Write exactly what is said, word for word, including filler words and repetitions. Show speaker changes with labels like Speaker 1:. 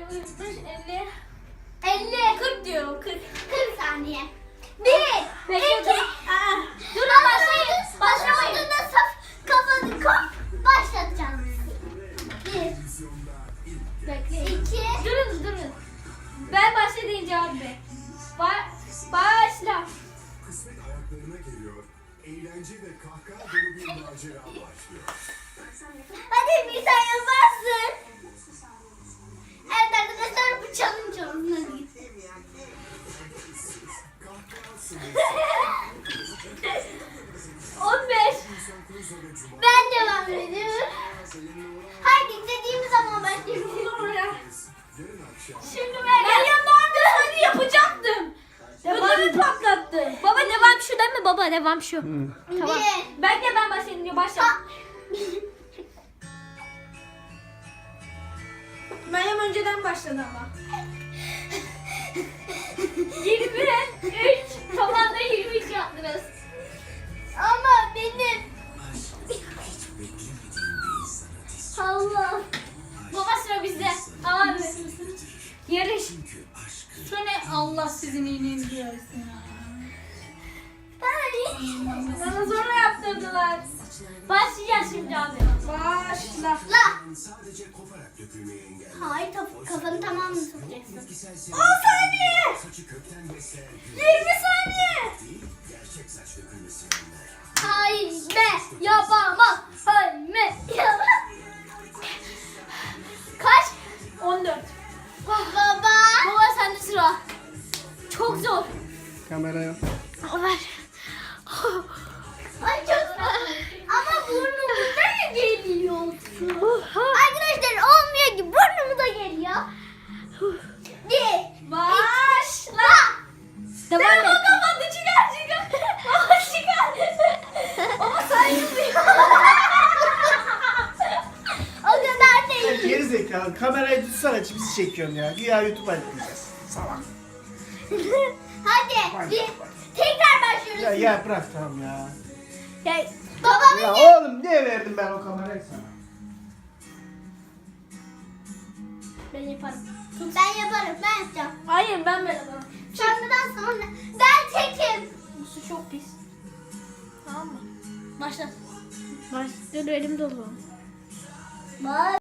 Speaker 1: elli.
Speaker 2: elli.
Speaker 1: kırk diyorum kırk.
Speaker 2: kırk saniye. bir,
Speaker 1: Bekle,
Speaker 2: iki,
Speaker 1: dur. Aa, durun başlayın. Başlamayın.
Speaker 2: Başlamayın. Saf kafanı kop. Başlatacağım. bir,
Speaker 1: Bekle.
Speaker 2: iki,
Speaker 1: Durun durun. Ben başla deyince abi. Ba başla.
Speaker 3: Kısmet ayaklarına geliyor. Eğlence ve kahkaha dolu bir macera başlıyor.
Speaker 2: hadi bir sen yaparsın. Evet arkadaşlar bu challenge olsun. Hadi.
Speaker 1: on beş.
Speaker 2: Ben devam ediyorum. Haydi istediğimiz zaman başlayalım.
Speaker 1: Şimdi ben geliyorum daha bir saniye yapacaktım. Ödümü patlattı. Baba devam şu değil mi baba devam şu. Tamam.
Speaker 2: Bir.
Speaker 1: Ben de ben başlayayım diyor başla.
Speaker 2: Ha.
Speaker 1: Meryem önceden başladı ama. yirmi üç. Toplamda yirmi üç yaptınız.
Speaker 2: Ama benim. Allah.
Speaker 1: Baba sıra bizde. Ama yarış. Şu ne Allah sizin iyiliğinizi görsün.
Speaker 2: Ben.
Speaker 1: Bana zorla yaptırdılar. Başlayacağız şimdi abi. Başla.
Speaker 2: La.
Speaker 3: Sadece koparak dökülmeyi engeller.
Speaker 2: Hayır taf- kafanı tamamını sokacaksın.
Speaker 3: Bitkisel
Speaker 1: on saniye.
Speaker 3: saçı kökten besleyen
Speaker 1: yirmi saniye.
Speaker 3: değil, gerçek saç dökülmesi önler.
Speaker 2: Hayır be yapamam. Hayır be yapamam.
Speaker 1: Kaç? on dört.
Speaker 2: Baba.
Speaker 1: Baba sende sıra. Çok zor.
Speaker 4: Kameraya.
Speaker 1: Ver.
Speaker 2: Ay çok zor. Ama burnumuza mı geliyor? Arkadaşlar olmuyor ki burnumuza geliyor. Bir.
Speaker 1: Başla. Devam et. Baba çıkar çıkar. Baba çıkar. Baba sayılmıyor.
Speaker 2: O kadar değil.
Speaker 4: Geri zekalı. Kamerayı tutsana bizi çekiyorum ya. Güya YouTube'a yükleyeceğiz. Salak.
Speaker 2: Hadi. Bir. Tekrar başlıyoruz.
Speaker 4: Ya ya bırak tamam ya.
Speaker 2: Ya, babamın
Speaker 4: Ya oğlum niye verdim ben o kamerayı sana?
Speaker 2: Ben yaparım. Ben yaparım. Ben yapacağım.
Speaker 1: Hayır ben böyle bana.
Speaker 2: Şarkıdan sonra ben tekim.
Speaker 1: Bu su çok pis. Tamam mı? Başla. Baş. Dur elim dolu.
Speaker 2: Bak.